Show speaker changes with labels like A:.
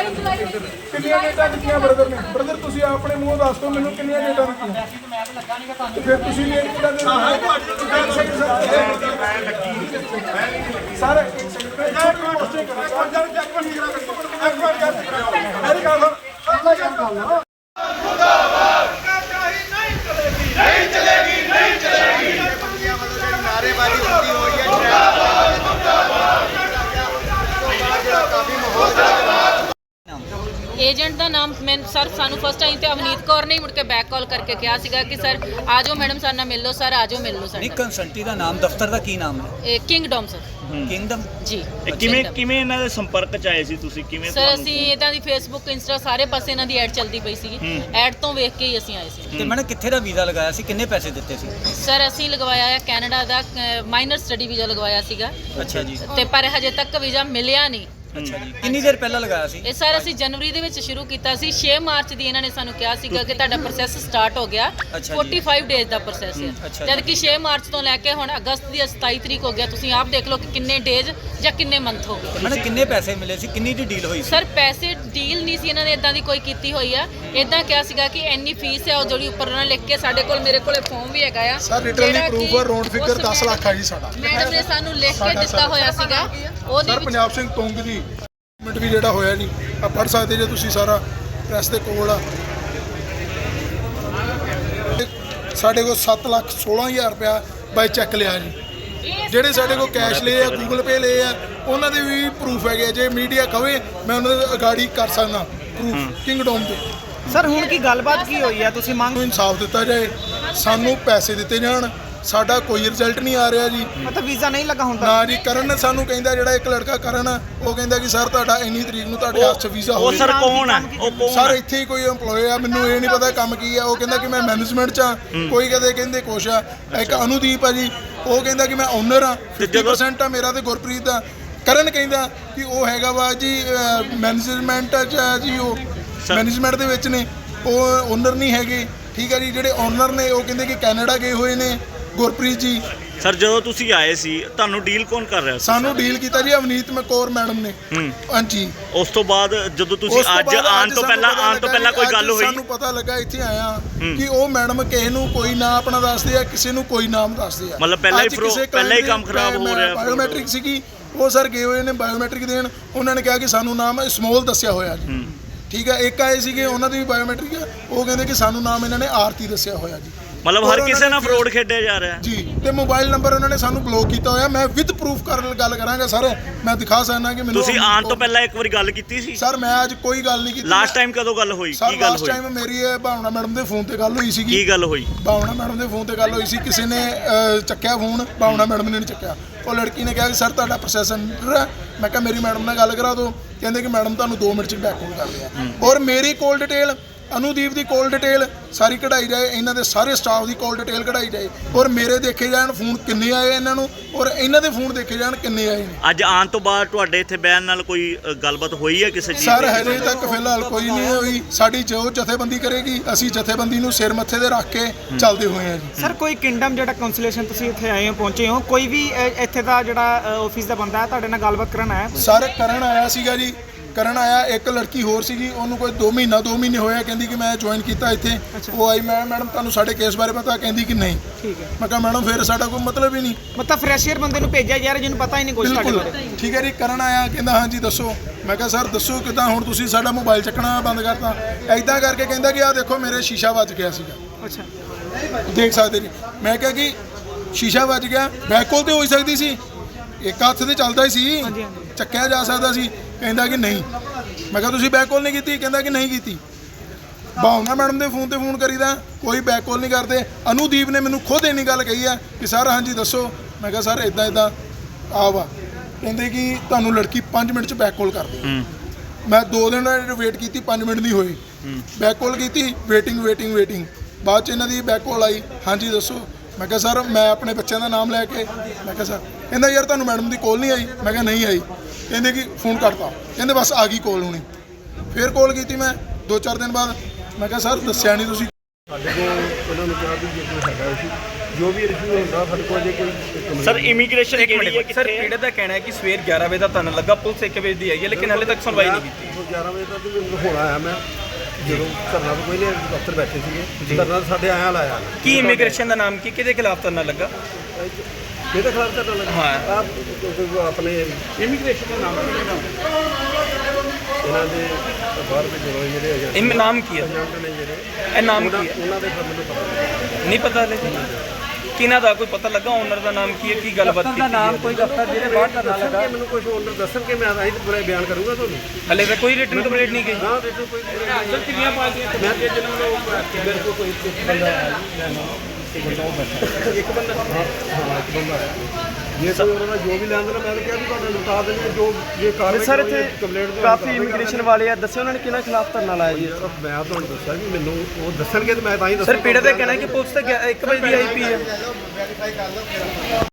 A: ਕਿੰਨੀਆਂ ਡੇਟਾਂ ਦਿੱਤੀਆਂ ਬ੍ਰਦਰ ਨੇ? ਬ੍ਰਦਰ ਤੁਸੀਂ ਆਪਣੇ ਮੂੰਹ ਦੱਸ ਦਿਓ ਮੈਨੂੰ ਕਿੰਨੀਆਂ ਡੇਟਾਂ ਦਿੱਤੀਆਂ? ਫਿਰ ਤੁਸੀਂ ਡੇਟ ਕਿੱਦਾਂ ਦੇ ਸਾਰੇ ਪੋਸਟਿੰਗ ਕਰੋ
B: नहीं चलेगी नहीं चलेगी नारेबाजी होती हुई है काफी माहौल
C: ਏਜੰਟ ਦਾ ਨਾਮ ਮੈਂ ਸਰ ਸਾਨੂੰ ਫਸਟ ਟਾਈਮ ਤੇ ਅਵਨੀਤ ਕੌਰ ਨੇ ਮੁੜ ਕੇ ਬੈਕ ਕਾਲ ਕਰਕੇ ਕਿਹਾ ਸੀਗਾ ਕਿ ਸਰ ਆ ਜਾਓ ਮੈਡਮ ਸਾਡੇ ਨਾਲ ਮਿਲ ਲਓ ਸਰ ਆ ਜਾਓ ਮਿਲ ਲਓ
D: ਨਹੀਂ
C: ਸਰ
D: ਕੰਸਲਟੀ ਦਾ ਨਾਮ ਦਫ਼ਤਰ ਦਾ ਕੀ ਨਾਮ ਹੈ?
C: ਇਹ ਕਿੰਗਡਮ ਸਰ
D: ਕਿੰਗਡਮ
C: ਜੀ
E: ਕਿਵੇਂ ਇਹਨਾਂ ਦੇ ਸੰਪਰਕ ਚ ਆਏ ਸੀ ਤੁਸੀਂ ਕਿਵੇਂ
C: ਸਰ ਅਸੀਂ ਇਦਾਂ ਦੀ ਫੇਸਬੁੱਕ ਇੰਸਟਾ ਸਾਰੇ ਪਾਸੇ ਇਹਨਾਂ ਦੀ ਐਡ ਚੱਲਦੀ ਪਈ ਸੀਗੀ ਐਡ ਤੋਂ ਵੇਖ ਕੇ ਹੀ ਅਸੀਂ ਆਏ ਸੀ
D: ਤੇ ਮੈਡਮ ਕਿੱਥੇ ਦਾ ਵੀਜ਼ਾ ਲਗਾਇਆ ਸੀ, ਕਿੰਨੇ ਪੈਸੇ ਦਿੱਤੇ ਸੀ?
C: ਸਰ ਅਸੀਂ ਲਗਵਾਇਆ ਹੈ ਕੈਨੇਡਾ ਦਾ ਮਾਈਨਰ ਸਟੱਡੀ ਵੀਜ਼ਾ ਲਗਵਾਇਆ ਸੀਗਾ
D: ਅੱਛਾ ਜੀ,
C: ਤੇ ਪਰ ਹਜੇ ਤੱਕ ਵੀਜ਼ਾ ਮਿਲਿਆ ਨਹੀਂ।
D: ਅੱਛਾ ਜੀ, ਕਿੰਨੀ ਦੇਰ ਪਹਿਲਾਂ ਲਗਾਇਆ ਸੀ?
C: ਇਹ ਸਰ ਅਸੀਂ ਜਨਵਰੀ ਦੇ ਵਿੱਚ ਸ਼ੁਰੂ ਕੀਤਾ ਸੀ 6 ਮਾਰਚ ਦੀ ਇਹਨਾਂ ਨੇ ਸਾਨੂੰ ਕਿਹਾ ਸੀਗਾ ਕਿ ਤੁਹਾਡਾ ਪ੍ਰੋਸੈਸ ਸਟਾਰਟ ਹੋ ਗਿਆ।
D: ਅੱਛਾ ਜੀ।
C: 45 ਡੇਜ਼ ਦਾ ਪ੍ਰੋਸੈਸ ਹੈ
D: ਅੱਛਾ
C: ਜਦ ਕਿ 6 ਮਾਰਚ ਤੋਂ ਲੈ ਕੇ ਹੁਣ ਅਗਸਤ ਦੀ 27 ਤਰੀਕ ਹੋ ਗਿਆ। ਤੁਸੀਂ ਆਪ ਦੇਖ ਲਓ ਕਿ ਕਿੰਨੇ ਡੇਜ਼ ਜਾਂ ਕਿੰਨੇ ਮੰਥ ਹੋ ਗਏ।
D: ਮੈਡਮ ਕਿੰਨੇ ਪੈਸੇ ਮਿਲੇ ਸੀ, ਕਿੰਨੀ ਦੀ ਡੀਲ ਹੋਈ ਸੀ?
C: ਸਰ ਪੈਸੇ ਡੀਲ ਨਹੀਂ ਸੀ ਇਹਨਾਂ ਨੇ ਇਦਾਂ ਦੀ ਕੋਈ ਕੀਤੀ ਹੋਈ ਆ। ਇਦਾਂ ਕਿਹਾ ਸੀਗਾ ਕਿ ਇੰਨੀ ਫੀਸ ਹੈ ਉਹ ਜਿਹੜੀ ਉੱਪਰ ਉਹਨਾਂ ਲਿਖ ਕੇ ਸਾਡੇ ਕੋਲ ਮੇਰੇ ਕੋਲੇ ਫਾਰਮ ਵੀ ਹੈਗਾ ਆ
A: ਸਰ ਰਿਟਰਨਲੀ ਪ੍ਰੂਫ ਹੈ ਰੌਂਡ ਫਿਗਰ 10 ਲੱਖ ਆ ਜੀ ਸਾਡਾ।
C: ਮੈਡਮ ਨੇ ਸਾਨੂੰ ਲਿਖ ਕੇ ਦਿੱਤਾ ਹੋਇਆ ਸੀਗਾ ਉਹਦੇ
A: ਸਰ
C: ਵਿੱਚ
A: ਪੰਜਾਬ ਸਿੰਘ ਤੁੰਗ ਦੀ ਮਿੰਟ ਵੀ ਜਿਹੜਾ ਹੋਇਆ ਜੀ ਆ ਪੜ੍ਹ ਸਕਦੇ ਜੇ ਤੁਸੀਂ ਸਾਰਾ ਪ੍ਰੈਸ ਦੇ ਕੋਲ ਆ ਸਾਡੇ ਕੋਲ 7,16,000 ਰੁਪਇਆ ਬਾਈ ਚੈੱਕ ਲਿਆ ਜੀ। ਜਿਹੜੇ ਸਾਡੇ ਕੋਲ ਕੈਸ਼ ਲਏ ਆ ਗੂਗਲ ਪੇ ਲਏ ਆ ਉਹਨਾਂ ਦੇ ਵੀ ਪ੍ਰੂਫ ਹੈਗੇ। ਜੇ ਮੀਡੀਆ ਕਵੇ ਮੈਂ ਉਹਨਾਂ ਦੇ ਅਗਾੜੀ ਕਰ ਸਕਦਾ ਪ੍ਰੂਫ ਕਿੰਗਡਮ ਦੇ।
F: ਸਰ ਹੁਣ ਕੀ ਗੱਲਬਾਤ ਕੀ ਹੋਈ ਆ, ਤੁਸੀਂ ਮੰਗ
A: ਨੂੰ ਇਨਸਾਫ ਦਿੱਤਾ ਜਾਏ, ਸਾਨੂੰ ਪੈਸੇ ਦਿੱਤੇ ਜਾਣ। ਸਾਡਾ ਕੋਈ ਰਿਜ਼ਲਟ ਨਹੀਂ ਆ ਰਿਹਾ ਜੀ।
F: ਮਤਲਬ ਵੀਜ਼ਾ ਨਹੀਂ ਲੱਗਾ ਹੁੰਦਾ
A: ਨਾ ਜੀ ਕਰਨ ਸਾਨੂੰ ਕਹਿੰਦਾ ਜਿਹੜਾ ਇੱਕ ਲੜਕਾ ਕਰਨ ਉਹ ਕਹਿੰਦਾ ਕਿ ਸਰ ਤੁਹਾਡਾ ਇੰਨੀ ਤਰੀਕ ਨੂੰ ਤੁਹਾਡੇ ਹੱਥ 'ਚ ਵੀਜ਼ਾ
E: ਉਹ
A: ਹੋਵੇਗਾ।
E: ਸਰ ਕੌਣ ਹੈ? ਉਹ ਕੌਣ
A: ਸਰ
E: ਹੈ?
A: ਇੱਥੇ ਹੀ ਕੋਈ EMPLOYE ਆ, ਮੈਨੂੰ ਇਹ ਨਹੀਂ ਪਤਾ ਕੰਮ ਕੀ ਆ। ਉਹ ਕਹਿੰਦਾ ਕਿ ਮੈਂ ਮੈਨੇਜਮੈਂਟ 'ਚ ਆ, ਕੋਈ ਕਹਿੰਦੇ ਕੁਛ ਆ। ਇੱਕ ਅਨੁਦੀਪ ਆ ਜੀ, ਉਹ ਕਹਿੰਦਾ ਕਿ ਮੈਂ ਓਨਰ ਆ। 50% ਆ ਮੇਰਾ ਤੇ ਗੁਰਪ੍ਰੀਤ ਦਾ। ਕਰਨ ਕਹਿੰਦਾ ਕਿ ਉਹ ਹੈਗਾ ਵਾ ਜੀ ਮੈਨੇਜਮੈਂਟ 'ਚ ਆ ਜੀ, ਉਹ ਮੈਨੇਜਮੈਂਟ ਦੇ ਵਿੱਚ ਨੇ, ਉਹ ਓਨਰ ਨਹੀਂ ਹੈਗੇ। ਠੀਕ ਹੈ ਜੀ, ਜਿਹੜੇ ਓਨਰ ਨੇ ਉਹ ਕਹਿੰਦੇ ਕਿ ਕੈਨੇਡਾ ਗਏ ਹੋਏ ਨੇ ਗੁਰਪ੍ਰੀਤ ਜੀ।
E: ਸਰ ਜਦੋਂ ਤੁਸੀਂ ਆਏ ਸੀ ਤੁਹਾਨੂੰ ਡੀਲ ਕੌਣ ਕਰ ਰਿਹਾ ਸੀ?
A: ਸਾਨੂੰ ਡੀਲ ਕੀਤਾ ਜੀ ਅਵਨੀਤ ਕੌਰ ਮੈਡਮ ਨੇ। ਹਾਂਜੀ,
E: ਉਸ ਤੋਂ ਬਾਅਦ ਜਦੋਂ ਤੁਸੀਂ ਅੱਜ ਆਉਣ ਤੋਂ ਪਹਿਲਾਂ ਕੋਈ ਗੱਲ ਹੋਈ?
A: ਸਾਨੂੰ ਪਤਾ ਲੱਗਾ ਇੱਥੇ ਆਇਆ ਕਿ ਉਹ ਮੈਡਮ ਕਿਸੇ ਨੂੰ ਕੋਈ ਨਾਂ ਆਪਣਾ ਦੱਸਦੇ ਆ, ਕਿਸੇ ਨੂੰ ਕੋਈ ਨਾਮ ਦੱਸਦੇ ਆ।
E: ਮਤਲਬ ਪਹਿਲਾਂ ਹੀ ਕੰਮ ਖਰਾਬ ਹੋ ਰਿਹਾ।
A: ਬਾਇਓਮੈਟ੍ਰਿਕ ਸੀਗੀ, ਉਹ ਸਰ ਗਏ ਹੋਏ ਨੇ ਬਾਇਓਮੈਟ੍ਰਿਕ ਦੇਣ। ਉਹਨਾਂ ਨੇ ਕਿਹਾ ਕਿ ਸਾਨੂੰ ਨਾਮ ਸਮੋਲ ਦੱਸਿਆ ਹੋਇਆ ਜੀ। ਠੀਕ ਹੈ, ਇੱਕ ਆਏ ਸੀਗੇ ਉਹਨਾਂ ਦੀ ਵੀ ਬਾਇਓਮੈਟ੍ਰਿਕ ਆ, ਉਹ ਕਹਿੰਦੇ ਕਿ ਸਾਨੂੰ ਨਾਮ ਇਹਨਾਂ ਨੇ ਆਰਤੀ ਦੱਸਿਆ ਹੋਇਆ ਜੀ।
E: ਮਤਲਬ ਹਰ ਕਿਸੇ ਨਾਲ ਫਰੋਡ ਖੇਡਿਆ ਜਾ ਰਿਹਾ
A: ਜੀ। ਤੇ ਮੋਬਾਈਲ ਨੰਬਰ ਉਹਨਾਂ ਨੇ ਸਾਨੂੰ ਬਲੌਕ ਕੀਤਾ ਹੋਇਆ। ਮੈਂ ਵਿਦ ਪ੍ਰੂਫ ਗੱਲ ਕਰਾਂਗਾ ਸਰ, ਮੈਂ ਦਿਖਾ ਸਕਦਾ ਕਿ ਮੈਨੂੰ।
E: ਤੁਸੀਂ ਆਉਣ ਤੋਂ ਪਹਿਲਾਂ ਇੱਕ ਵਾਰੀ ਗੱਲ ਕੀਤੀ ਸੀ?
A: ਸਰ ਮੈਂ ਅੱਜ ਕੋਈ ਗੱਲ ਨਹੀਂ ਕੀਤੀ।
E: ਲਾਸਟ ਟਾਈਮ ਕਦੋਂ ਗੱਲ ਹੋਈ?
A: ਸਰ
E: ਕੀ ਗੱਲ
A: ਲਾਸਟ ਟਾਈਮ ਮੇਰੀ ਭਾਵਨਾ ਮੈਡਮ ਦੇ ਫੋਨ ਤੇ ਗੱਲ ਹੋਈ ਸੀਗੀ।
E: ਕੀ ਗੱਲ ਹੋਈ?
A: ਭਾਵਨਾ ਮੈਡਮ ਦੇ ਫੋਨ ਤੇ ਗੱਲ ਹੋਈ ਸੀ, ਕਿਸੇ ਨੇ ਚੱਕਿਆ ਫੋਨ, ਭਾਵਨਾ ਮੈਡਮ ਨੇ ਨਹੀਂ ਚੱਕਿਆ। ਉਹ ਲੜਕੀ ਨੇ ਕਿਹਾ ਕਿ ਸਰ ਤੁਹਾਡਾ ਪ੍ਰੋਸੈਸ ਅੰਡਰ ਹੈ। ਮੈਂ ਕਿਹਾ ਮੇਰੀ ਮੈਡਮ ਨਾਲ ਗੱਲ ਕਰਾ ਦਿਓ। ਕਹਿੰਦੇ ਕਿ ਮੈਡਮ ਤੁਹਾਨੂੰ 2 ਮਿੰਟ 'ਚ ਬੈਕ ਕਾਲ ਕਰਦੇ ਆ। ਔਰ ਮੇਰੀ ਕੋਲ ਡਿਟੇਲ, ਅਨੁਦੀਪ ਦੀ ਕੋਲ ਡਿਟੇਲ ਸਾਰੀ ਕਢਾਈ ਜਾਏ, ਇਹਨਾਂ ਦੇ ਸਾਰੇ ਸਟਾਫ ਦੀ ਕੋਲ ਡਿਟੇਲ ਕਢਾਈ ਜਾਏ। ਔਰ ਮੇਰੇ ਦੇਖੇ ਜਾਣ ਫੋਨ ਕਿੰਨੇ ਆਏ ਇਹਨਾਂ ਨੂੰ, ਔਰ ਇਹਨਾਂ ਦੇ ਫੋਨ ਦੇਖੇ ਜਾਣ ਕਿੰਨੇ ਆਏ ਨੇ।
E: ਅੱਜ ਆਉਣ ਤੋਂ ਬਾਅਦ ਤੁਹਾਡੇ ਇੱਥੇ ਬੈਨ ਨਾਲ ਕੋਈ ਗੱਲਬਾਤ ਹੋਈ ਹੈ ਕਿਸੇ ਚੀਜ਼
A: ਸਰ ਹਜੇ ਤੱਕ ਫਿਲਹਾਲ ਕੋਈ ਨਹੀਂ ਹੋਈ। ਸਾਡੀ ਜੋ ਜਥੇਬੰਦੀ ਕਰੇਗੀ ਅਸੀਂ ਜਥੇਬੰਦੀ ਨੂੰ ਸਿਰ ਮੱਥੇ ਤੇ ਰੱਖ ਕੇ ਚੱਲਦੇ ਹੋਏ ਹਾਂ ਜੀ।
F: ਸਰ ਕੋਈ ਕਿੰਗਡਮ ਜਿਹੜਾ ਕਾਉਂਸਲੇਸ਼ਨ ਤੁਸੀਂ ਇੱਥੇ ਆਏ ਹੋ, ਪਹੁੰਚੇ ਹੋ, ਕੋਈ ਵੀ ਇੱਥੇ ਦਾ ਜਿਹੜਾ ਆਫਿਸ ਦਾ ਬੰਦਾ ਹੈ ਤੁਹਾਡੇ ਨਾਲ ਗੱਲਬਾਤ ਕਰਨ ਆਇਆ?
A: ਸਰ ਕਰਨ ਆਇਆ ਸੀਗਾ ਜੀ, ਕਰਨ ਆਇਆ। ਇੱਕ ਲੜਕੀ ਹੋਰ ਸੀਗੀ, ਉਹਨੂੰ ਕੋਈ 2 ਮਹੀਨੇ ਹੋਇਆ, ਕਹਿੰਦੀ ਕਿ ਮੈਂ ਜੁਆਇਨ ਕੀਤਾ ਇੱਥੇ। ਉਹ ਆਈ, ਮੈਂ ਮੈਡਮ ਤੁਹਾਨੂੰ ਸਾਡੇ ਕੇਸ ਬਾਰੇ ਪਤਾ? ਕਹਿੰਦੀ ਕਿ ਨਹੀਂ।
F: ਠੀਕ ਹੈ।
A: ਮੈਂ ਕਿਹਾ ਮੈਡਮ ਫਿਰ ਸਾਡਾ ਕੋਈ ਮਤਲਬ ਹੀ ਨਹੀਂ।
F: ਮਤਲਬ ਫਰੈਸ਼ੀਅਰ ਬੰਦੇ ਨੂੰ ਭੇਜਿਆ ਯਾਰ ਜਿਹਨੂੰ ਪਤਾ ਹੀ ਨਹੀਂ ਕੁਝ ਤੁਹਾਡੇ
A: ਬਿਲਕੁਲ
F: ਬਾਰੇ।
A: ਠੀਕ ਹੈ ਜੀ। ਕਰਨ ਆਇਆ, ਕਹਿੰਦਾ ਹਾਂਜੀ ਦੱਸੋ। ਮੈਂ ਕਿਹਾ ਸਰ ਦੱਸੋ ਕਿੱਦਾਂ, ਹੁਣ ਤੁਸੀਂ ਸਾਡਾ ਮੋਬਾਈਲ ਚੱਕਣਾ ਬੰਦ ਕਰਤਾ। ਐਦਾਂ ਕਰਕੇ ਕਹਿੰਦਾ ਕਿ ਆਹ ਦੇਖੋ ਮੇਰੇ ਸ਼ੀਸ਼ਾ ਵੱਜ ਗਿਆ ਸੀਗਾ।
F: ਅੱਛਾ,
A: ਦੇਖ ਸਕਦੇ ਜੀ। ਮੈਂ ਕਿਹਾ ਕਿ ਸ਼ੀਸ਼ਾ ਵੱਜ ਗਿਆ, ਬੈਕ ਕਾਲ ਤੇ ਹੋ ਸਕਦੀ ਸੀ, ਇੱਕ ਹੱਥ ਤੇ ਚੱਲਦਾ ਹੀ ਸੀ, ਚੱਕਿਆ ਜਾ ਸਕਦਾ ਸੀ। ਕਹਿੰਦਾ ਕਿ ਨਹੀਂ। ਮੈਂ ਕਿਹਾ ਤੁਸੀਂ ਬੈਕ ਕਾਲ ਨਹੀਂ ਕੀਤੀ? ਕਹਿੰਦਾ ਕਿ ਨਹੀਂ ਕੀਤੀ। ਭਾਵਨਾ ਮੈਡਮ ਦੇ ਫੋਨ ਤੇ ਫੋਨ ਕਰੀਦਾ, ਕੋਈ ਬੈਕ ਕਾਲ ਨਹੀਂ ਕਰਦੇ। ਅਨੁਦੀਪ ਨੇ ਮੈਨੂੰ ਖੁਦ ਇੰਨੀ ਗੱਲ ਕਹੀ ਆ ਕਿ ਸਰ ਹਾਂਜੀ ਦੱਸੋ। ਮੈਂ ਕਿਹਾ ਸਰ ਇਦਾਂ ਆ ਵਾ। ਕਹਿੰਦੇ ਕਿ ਤੁਹਾਨੂੰ ਲੜਕੀ 5 ਮਿੰਟ 'ਚ ਬੈਕ ਕਾਲ ਕਰਦੀ। ਮੈਂ 2 ਦਿਨ ਵੇਟ ਕੀਤੀ, 5 ਮਿੰਟ ਨਹੀਂ ਹੋਈ। ਬੈਕ ਕਾਲ ਕੀਤੀ, ਵੇਟਿੰਗ। ਬਾਅਦ 'ਚ ਇਹਨਾਂ ਦੀ ਬੈਕ ਕਾਲ ਆਈ, ਹਾਂਜੀ ਦੱਸੋ। ਮੈਂ ਕਿਹਾ ਸਰ ਮੈਂ ਆਪਣੇ ਬੱਚਿਆਂ ਦਾ ਨਾਮ ਲੈ ਕੇ। ਮੈਂ ਕਿਹਾ ਸਰ, ਕਹਿੰਦਾ ਯਾਰ ਤੁਹਾਨੂੰ ਮੈਡਮ ਦੀ ਕਾਲ ਨਹੀਂ ਆਈ? ਮੈਂ ਕਿਹਾ ਨਹੀਂ ਆਈ। ਕਹਿੰਦੇ ਕਿ ਫੋਨ ਕੱਟਤਾ। ਕਹਿੰਦੇ ਬਸ ਆ ਗਈ ਕਾਲ ਹੁਣੀ। ਫਿਰ ਕਾਲ ਕੀਤੀ ਮੈਂ 2-4 ਦਿਨ ਬਾਅਦ। ਮੈਂ ਕਿਹਾ ਸਰ ਦੱਸਿਆ ਨਹੀਂ ਤੁਸੀਂ।
G: ਸਾਡੇ ਕੋਲ ਉਹਨਾਂ ਨੂੰ ਕਿਹਾ ਵੀ ਜੇ ਕੋਈ ਹੈਗਾ ਸੀ ਜੋ ਵੀ ਇਸ਼ੂ ਹੁੰਦਾ ਸਾਡੇ ਕੋਲ ਜੇ ਕੋਈ
E: ਸਰ ਇਮੀਗ੍ਰੇਸ਼ਨ
H: ਇੱਕ
E: ਕਿਹੜੀ ਹੈ
H: ਮਿੰਟ ਸਰ ਪੀੜਤ ਦਾ ਕਹਿਣਾ ਹੈ ਕਿ ਸਵੇਰ 11 ਵਜੇ ਦਾ ਧਰਨਾ ਲੱਗਾ, ਪੁਲਿਸ 1 ਵਜੇ ਦੀ ਆਈ ਹੈ ਲੇਕਿਨ ਹਾਲੇ ਤੱਕ ਸੁਣਵਾਈ ਨਹੀਂ ਕੀਤੀ।
G: 11 ਵਜੇ ਤੱਕ ਹੁਣ ਆਇਆ ਮੈਂ, ਜਦੋਂ ਧਰਨਾ ਤੋਂ ਪਹਿਲੇ ਦਫ਼ਤਰ ਬੈਠੇ ਸੀਗੇ, ਧਰਨਾ ਸਾਡੇ ਆਇਆ ਲਾਇਆ।
H: ਕੀ ਇਮੀਗ੍ਰੇਸ਼ਨ ਦਾ ਨਾਮ ਕੀ, ਕਿਹਦੇ ਖਿਲਾਫ ਧਰਨਾ ਲੱਗਾ?
G: ਕਿਹਦੇ ਖਿਲਾਫ ਧਰਨਾ ਲੱਗਾ?
H: ਹਾਂ
G: ਆਪਣੇ ਇਮੀਗ੍ਰੇਸ਼ਨ ਦਾ ਨਾਮ ਇਹਨਾਂ ਦੇ ਬਾਹਰ ਦੇ ਜਿਹੜੇ ਹੈਗੇ
H: ਇਹ ਨਾਮ ਕੀ ਹੈ?
G: ਏਜੰਟ ਨੇ ਜਿਹੜੇ,
H: ਇਹ ਨਾਮ ਕੀ ਹੈ?
G: ਉਹਨਾਂ ਦੇ ਮੈਨੂੰ ਪਤਾ
H: ਨਹੀਂ ਪਤਾ ਹਲੇ ਕਿਹਨਾਂ ਦਾ ਕੋਈ ਪਤਾ ਲੱਗਾ? ਓਨਰ ਦਾ ਨਾਮ ਕੀ ਹੈ, ਕੀ ਗੱਲਬਾਤ ਕੀਤੀ ਨਾਮ ਕੋਈ
G: ਦਫ਼ਤਰ ਜਿਹੜੇ ਬਾਹਰ ਧਰਨਾ ਲੱਗਾ, ਮੈਨੂੰ ਕੁਝ ਓਨਰ ਦੱਸਣਗੇ, ਮੈਂ ਆਹੀ ਪੂਰਾ ਬਿਆਨ ਕਰੂੰਗਾ ਤੁਹਾਨੂੰ।
H: ਹਲੇ ਤਾਂ ਕੋਈ ਰਿਟਨ ਕੰਪਲੀਟ ਨਹੀਂ ਗਈ।
G: ਹਾਂ ਰਿਟਨ ਕੋਈ ਕਿੰਨੀਆਂ ਪਾਰਟੀਆਂ ਮੈਂ ਤੇ ਜਿਹਨਾਂ ਨੂੰ ਮੇਰੇ ਕੋਲ ਕੋਈ ਇੱਕ ਬੰਦਾ ਆਇਆ ਇੱਕ ਬੰਦਾ ਇੱਕ ਬੰਦਾ ਆਇਆ, ਜੇ ਕੋਈ ਉਹਨਾਂ ਦਾ ਜੋ ਵੀ ਲੈਣ ਦੇਣਾ ਮੈਂ ਤਾਂ ਕਿਹਾ ਵੀ ਤੁਹਾਨੂੰ ਲੁਟਾ ਦੇਣਗੇ ਜੋ ਜੇ ਕਾਰਵਾਈ
B: ਸਰ ਇੱਥੇ
G: ਕੰਪਲੇਂਟ
B: ਕਾਫੀ ਇਮੀਗ੍ਰੇਸ਼ਨ ਵਾਲੇ ਆ, ਦੱਸਿਓ ਉਹਨਾਂ ਨੇ ਕਿਹਨਾਂ ਖਿਲਾਫ ਧਰਨਾ ਲਾਇਆ ਜੀ?
G: ਮੈਂ ਤੁਹਾਨੂੰ ਦੱਸਿਆ ਜੀ, ਮੈਨੂੰ ਉਹ ਦੱਸਣਗੇ ਤੇ ਮੈਂ ਤਾਂ ਹੀ ਦੱਸਾਂ।
H: ਸਰ ਪੀੜਤ ਦਾ ਕਹਿਣਾ ਹੈ ਕਿ ਪੁਲਿਸ ਤਾਂ 1 ਵਜੇ ਦੀ ਆਈ ਪਈ ਹੈ।